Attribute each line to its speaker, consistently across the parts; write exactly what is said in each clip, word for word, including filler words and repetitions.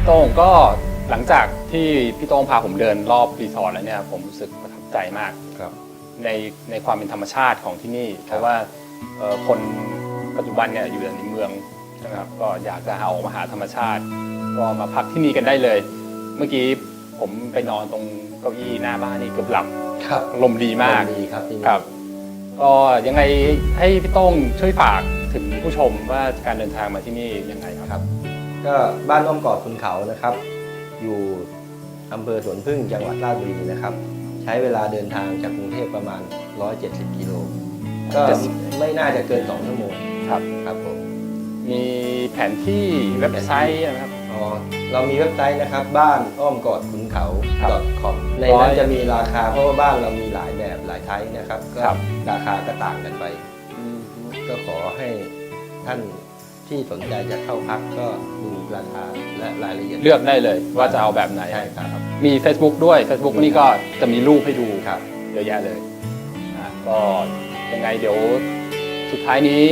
Speaker 1: โต้งก็หลังจากที่พี่โต้งพาผมเดินรอบรีสอร์ทแล้วเนี่ยผมรู้สึกประทับใจมากในในความเป็นธรรมชาติของที่นี่เพราะว่าคนปัจจุบันเนี่ยอยู่ในเมืองนะครับก็อยากจะออกมาหาธรรมชาติก็มาพักที่นี่กันได้เลยเมื่อกี้ผมไปนอนตรงเก้าอี้หน้าบ้านนี่เกือบหลับลมดีมาก
Speaker 2: ดีครับ
Speaker 1: ครับก็ยังไงให้พี่โต้งช่วยฝากถึงผู้ชมว่าการเดินทางมาที่นี่ยังไงครับ
Speaker 2: ก็บ้านอ้อมกอดคุณเขานะครับอยู่อำเภอสวนพึ่งจังหวัดราชบุรีนะครับใช้เวลาเดินทางจากกรุงเทพประมาณหนึ่งร้อยเจ็ดสิบกิโลก็ไม่น่าจะเกินสองชั่วโมง
Speaker 1: ครับ
Speaker 2: ครับผม
Speaker 1: มีแผนที่เว็บไซต์นะครับ
Speaker 2: อ๋อเรามีเว็บไซต์นะครับบ้านอ้อมกอดคุณเขา .com ในนั้นจะมีราคาเพราะว่าบ้านเรามีหลายแบบหลายไทป์นะครับก็ราคาก็ต่างกันไปก็ขอให้ท่านที่สนใจจะเข้าพักก็ดูราคาและรายละเอียด
Speaker 1: เลือกได้เลยว่าจะเอาแบบไหน
Speaker 2: ใช่ครับ
Speaker 1: มี Facebook ด้วย Facebook นี่ก็จะมีรูปให้ดูครับเยอะแยะเลยก็ยังไงเดี๋ยวสุดท้ายนี้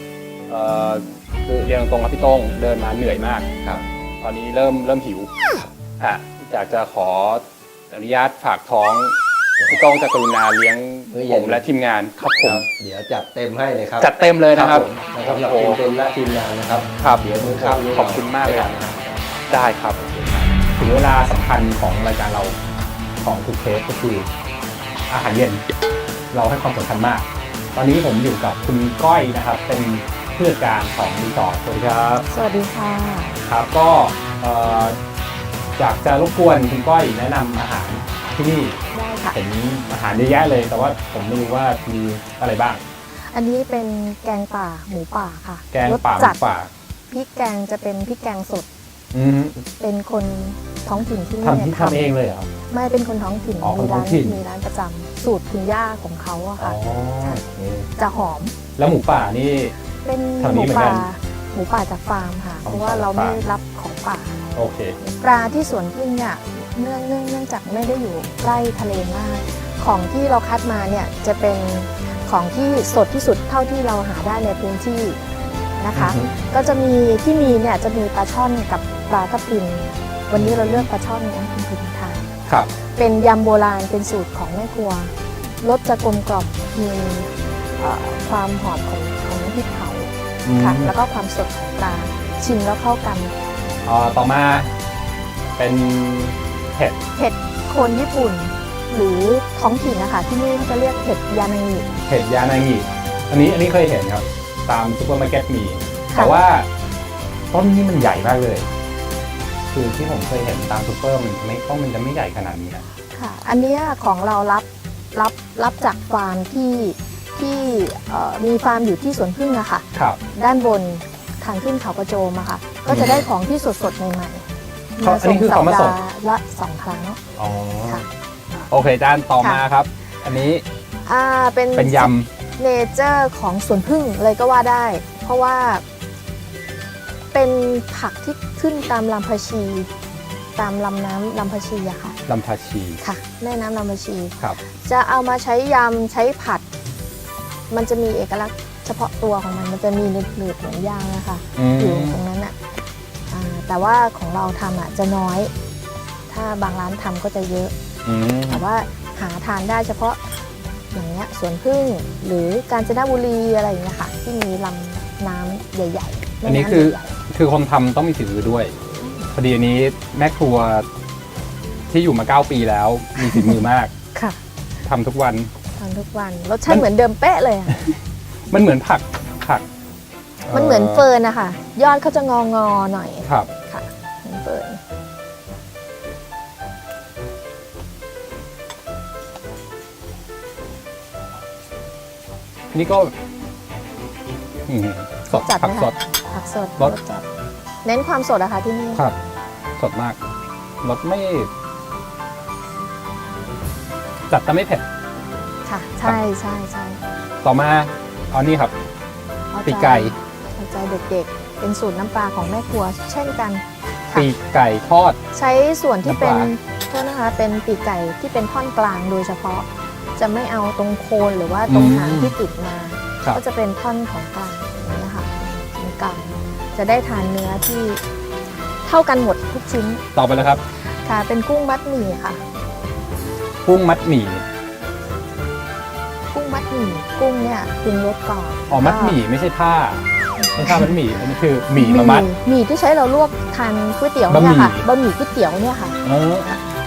Speaker 1: คือเรียนตรงๆครับพี่โต้งเดินมาเหนื่อยมากครับตอนนี้เริ่มเริ่มหิวอ่ะอยากจะขออนุญาตฝากท้องพี่โต้งจะกรุณาเลี้ยงผมและทีมงานครับผม
Speaker 2: เดี๋ยวจัดเต็มให้เลยครับ
Speaker 1: จัดเต็มเลยนะครับ
Speaker 2: สำหรับทีมเต็มและทีมงานนะครับ
Speaker 1: ครับ
Speaker 2: เดี๋ยวมือข้าม
Speaker 1: ขอบคุณมากเลยได้ครับถึงเวลาสำคัญของรายการเราของทุกเทปก็คืออาหารเย็นเราให้ความสำคัญมากตอนนี้ผมอยู่กับคุณก้อยนะครับเป็นผู้จัดการของรีสอร์ทสวัสดีครับ
Speaker 3: สวัสดีค่ะ
Speaker 1: ครับก็อยากจะรบกวนคุณก้อยแนะนำอาหารที่นี่
Speaker 3: ได้ค่ะ
Speaker 1: เห็นอาหารเยอะแยะเลยแต่ว่าผมไม่รู้ว่ามีอะไรบ้าง
Speaker 3: อันนี้เป็นแกงป่าหมูป่าค่ะ
Speaker 1: แกงป่าหมูป่า
Speaker 3: พริกแกงจะเป็นพริกแกงสดเป็นคนท้องถิ่นที่นี่
Speaker 1: ทำที่ทำเองเลยเหรอ
Speaker 3: ไม่เป็นคนท้องถิ่นมีร้านมีร้านประจำสูตรคุณย่าของเขาอะค่ะจะหอม
Speaker 1: แล้วหมูป่านี่
Speaker 3: เป็นหมูป่าหมูป่าจากฟาร์มค่ะเพราะว่าเราไม่รับของป่า
Speaker 1: โอเค
Speaker 3: ปลาที่สวนพึ่งเนี่ยเนื่องเนื่องเนื่องจากไม่ได้อยู่ใกล้ทะเลมากของที่เราคัดมาเนี่ยจะเป็นของที่สดที่สุดเท่าที่เราหาได้ในพื้นที่นะคะก็จะมีที่มีเนี่ยจะมีปลาช่อนกับปลาทับทิมวันนี้เราเลือกปลาช่อนนะคุณผู้ชมทาน
Speaker 1: ครับ
Speaker 3: เป็นยำโบราณเป็นสูตรของแม่ครัวรสจะกลมกล่อมมีความหอมของของน้ำพริกเผาค่ะแล้วก็ความสดของปลาชิมแล้วเข้ากัน
Speaker 1: ต่อมาเป็นเห็ด
Speaker 3: เห็ดโคนญี่ปุ่นหรือท้องถิ่นนะคะที่นี่จะเรียกเห็ดยานางิ
Speaker 1: เห็ดยานางิอันนี้อันนี้เคยเห็นครับตามซุปเปอร์มาร์เก็ตมีแต่ว่าต้นนี้มันใหญ่มากเลยคือที่ผมเคยเห็นตามซุปเปอร์มันไม่ต้นมันจะไม่ใหญ่ขนาดนี้นะ
Speaker 3: ค่ะอันนี้ของเรารับรับรับจากฟาร์มที่ที่มีฟาร์มอยู่ที่สวนพึ่งอะค่ะ
Speaker 1: ครับ
Speaker 3: ด้านบนทางขึ้นเขากระโจมอะค่ะก็จะได้ของที่สดๆใหม่
Speaker 1: ๆอันนี้คือของมาส่ง
Speaker 3: ละสองครั้ง
Speaker 1: อ๋อโอเคด้านต่อมาครับอันนี้
Speaker 3: อ่าเป็น
Speaker 1: เป็นยำ
Speaker 3: เนเจอร์ของสวนพึ่งเลยก็ว่าได้เพราะว่าเป็นผักที่ขึ้นตามลำพะชีตามลำน้ำลำพะชีอะค่ะ
Speaker 1: ลำพะชี
Speaker 3: ค่ะแม่น้ำลำพะชี
Speaker 1: ครับ
Speaker 3: จะเอามาใช้ยำใช้ผัดมันจะมีเอกลักษณ์เฉพาะตัวของมันมันจะมีหนืดๆเหมือนยางนะคะอยู่ตรงนั้นอะแต่ว่าของเราทำอะจะน้อยถ้าบางร้านทำก็จะเยอะแต่ว่าหาทานได้เฉพาะอย่างเงี้ยสวนพึ่งหรือกาญจนบุรีอะไรอย่างเงี้ยค่ะที่มีลำน้ำใหญ่ๆ
Speaker 1: อันนี้คือคือคนทำต้องมีฝีมือด้วยพอดีอันนี้แม่ครัวที่อยู่มาเก้าปีแล้วมีฝีมือมาก
Speaker 3: ค่ะ
Speaker 1: ทำทุกวัน
Speaker 3: ทำทุกวันรสชาติเหมือนเดิมเป๊ะเลย
Speaker 1: มันเหมือนผักผัก
Speaker 3: มันเหมือนเฟิร์นนะคะยอดเขาจะงองอหน่อย
Speaker 1: ครับ
Speaker 3: ค่ะเหมือนเฟิร์น
Speaker 1: นี่ก็สดผักสด
Speaker 3: ผักสดรสจัดเน้นความสดอะค่ะที่นี่
Speaker 1: ครับสดมากรสไม่จัดแต่ไม่เผ็ด
Speaker 3: ค่ะใช่ใช่ใช่
Speaker 1: ต่อมาเอานี่ครับปีกไก่
Speaker 3: เอาใจเด็กๆเป็นสูตรน้ำปลาของแม่ครัวเช่นกัน
Speaker 1: ปีกไก่ทอด
Speaker 3: ใช้ส่วนที่เป็นโทษนะคะเป็นปีกไก่ที่เป็นท่อนกลางโดยเฉพาะจะไม่เอาตรงโคนหรือว่าตรงหางที่ติดมาก็จะเป็นท่อนของกลางนี่นะคะตรงกลางจะได้ทานเนื้อที่ทเท่ากันหมดทุกชิ้น
Speaker 1: ต่อไปแล้วครับ
Speaker 3: ค่ะ เป็นกุ้งมัดหมี่ค่ะ
Speaker 1: กุ้งมัดหมี่
Speaker 3: กุ้งมัดหมี่กุ้งเนี่ยปรุงรสก่อน
Speaker 1: อ๋อมัดหมี่ไม่ใช่ผ้าไม่ใช่ผ้ามัดหมี่อันนี้คือหมี่มามัด
Speaker 3: หมี่ที่ใช้เราลวกทานก๋วยเตี๋ยว
Speaker 1: บะหมี่
Speaker 3: เนี่ยค่ะบะหมี่ก๋วยเตี๋ยวเนี่ยค่ะ
Speaker 1: อ๋อ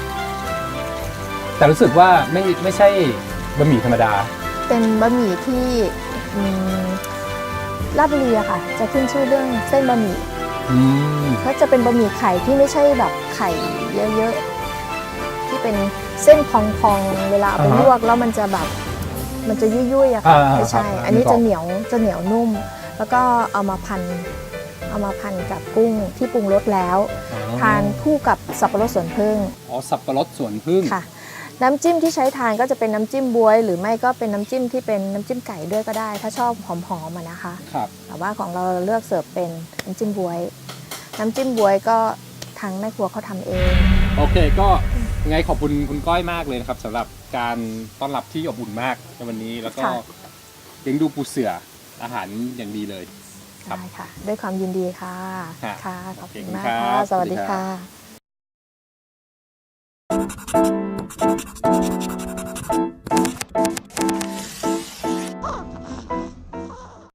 Speaker 1: แต่รู้สึกว่าไม่ไม่ใช่บะหมี่ธรรมดา
Speaker 3: เป็นบะหมี่ที่อืมลาดบุรีอะค่ะ จะขึ้นชื่อเรื่องเส้นบะหมี่
Speaker 1: อืม
Speaker 3: ก็จะเป็นบะหมี่ไข่ที่ไม่ใช่แบบไข่เยอะๆที่เป็นเส้นพองๆเวลาเอาไปลวกแล้วมันจะแบบมันจะยุ่ยๆอะค่ะ
Speaker 1: อ่า
Speaker 3: ไม่ใช่
Speaker 1: ครับ
Speaker 3: อันนี้
Speaker 1: นึกออก
Speaker 3: จะเหนียวจะเหนียวนุ่ม แล้วก็เอามาพันเอามาพันกับกุ้งที่ปรุงรสแล้ว
Speaker 1: อ๋อ
Speaker 3: ทานคู่กับสับปะรดสวนพึ่ง
Speaker 1: อ๋อสับปะรดสวนพึ่ง
Speaker 3: ค่ะ น้ำจิ้มที่ใช้ทานก็จะเป็นน้ำจิ้มบ๊วยหรือไม่ก็เป็นน้ำจิ้มที่เป็นน้ำจิ้มไก่ด้วยก็ได้ ถ้าชอบหอมๆอะนะคะ
Speaker 1: ครับ
Speaker 3: แต่ว่าของเราเลือกเสิร์ฟเป็นน้ำจิ้มบ๊วย น้ำจิ้มบ๊วยก็ทางแม่ครัวเขาทำเอง
Speaker 1: โอเคก็ไงขอบคุณคุณก้อยมากเลยนะครับสำหรับการต้อนรับที่อบอุ่นมากในวันนี้แล้วก็
Speaker 3: ค่ะ
Speaker 1: เลี้ยงดูปูเสืออาหารอย่างดีเลย ครับ
Speaker 3: ได้ค่ะ ด้วยความยินดีค่ะ
Speaker 1: ฮะ
Speaker 3: ค่ะ ขอบคุณ
Speaker 1: ขอบคุณ
Speaker 3: มาก
Speaker 1: ครั
Speaker 3: ค่ะ
Speaker 1: บ
Speaker 3: สวัสดี
Speaker 1: สวัสดีครั
Speaker 3: ค่ะ
Speaker 1: บ